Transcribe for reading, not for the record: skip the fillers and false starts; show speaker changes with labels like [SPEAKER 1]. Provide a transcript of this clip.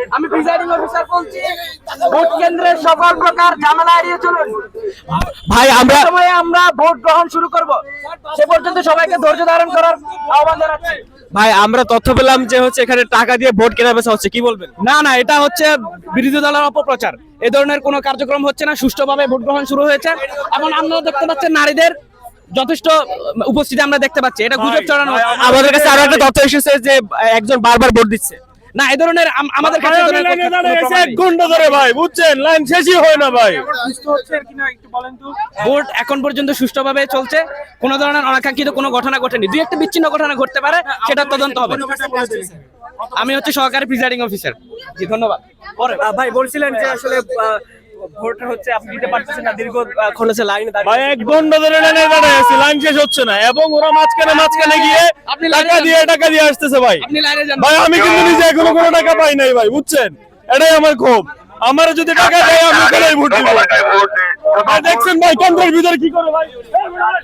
[SPEAKER 1] আমি presiding officer বলছি, vote কেন্দ্রের সকল প্রকার ঝামেলা এড়িয়ে চলুন।
[SPEAKER 2] ভাই আমরা
[SPEAKER 1] সময়ে আমরা ভোট গ্রহণ শুরু করব, সে পর্যন্ত সবাইকে ধৈর্য ধারণ করার আহ্বান জানাচ্ছি।
[SPEAKER 2] ভাই আমরা তথ্য পেলাম যে হচ্ছে এখানে টাকা দিয়ে ভোট কেনা বেচা হচ্ছে, কি বলবেন?
[SPEAKER 1] না না, এটা হচ্ছে বিরোধী দলের অপপ্রচার। এই ধরনের কোনো কার্যক্রম হচ্ছে না, সুষ্ঠুভাবে ভোট গ্রহণ শুরু হয়েছে। এখন আপনারা দেখতে পাচ্ছেন নারীদের যথেষ্ট উপস্থিতি আমরা দেখতে পাচ্ছি, এটা গুজব ছড়ানো হচ্ছে।
[SPEAKER 2] আমাদের কাছে আরো একটা তথ্য এসেছে যে একজন বারবার ভোট দিচ্ছে।
[SPEAKER 1] না, এই ধরনের আমাদের কাছে এই ধরনের কোনো প্রমাণ নেই।
[SPEAKER 3] ঘন্টা ধরে ভাই বুঝছেন, লাইন শেষই হয় না ভাই।
[SPEAKER 1] ভোট এখন পর্যন্ত সুষ্ঠুভাবে চলছে, কোনো ধরনের অনাকাঙ্ক্ষিত কোনো ঘটনা ঘটেনি। দুই একটা বিচ্ছিন্ন ঘটনা ঘটতে পারে, সেটা তদন্ত হবে। আমি হচ্ছে সহকারী প্রিজাইডিং অফিসার। জি, ধন্যবাদ। পরে
[SPEAKER 2] ভাই বলছিলেন যে আসলে ভোট হচ্ছে আপনি দিতে পারতেছেন না, দীর্ঘক্ষণ হচ্ছে লাইনে
[SPEAKER 3] ভাই 1 ঘন্টা ধরে লাইনে দাঁড়ায় আছি, লাইন শেষ হচ্ছে না এবং ওরা মাঝখানে গিয়ে
[SPEAKER 1] আপনি
[SPEAKER 3] টাকা দিয়ে আসতেছে ভাই।
[SPEAKER 1] আপনি লাইনে যান
[SPEAKER 3] ভাই আমি কিন্তু নিজে এখনো কোনো টাকা পাই নাই ভাই, বুঝছেন, এটাই আমার ক্ষোভ। আমার যদি টাকা দেয় আমি ওখানেই ভোট দিব। দেখছেন ভাই কেন্দ্রের ভিতরে কি করে ভাই।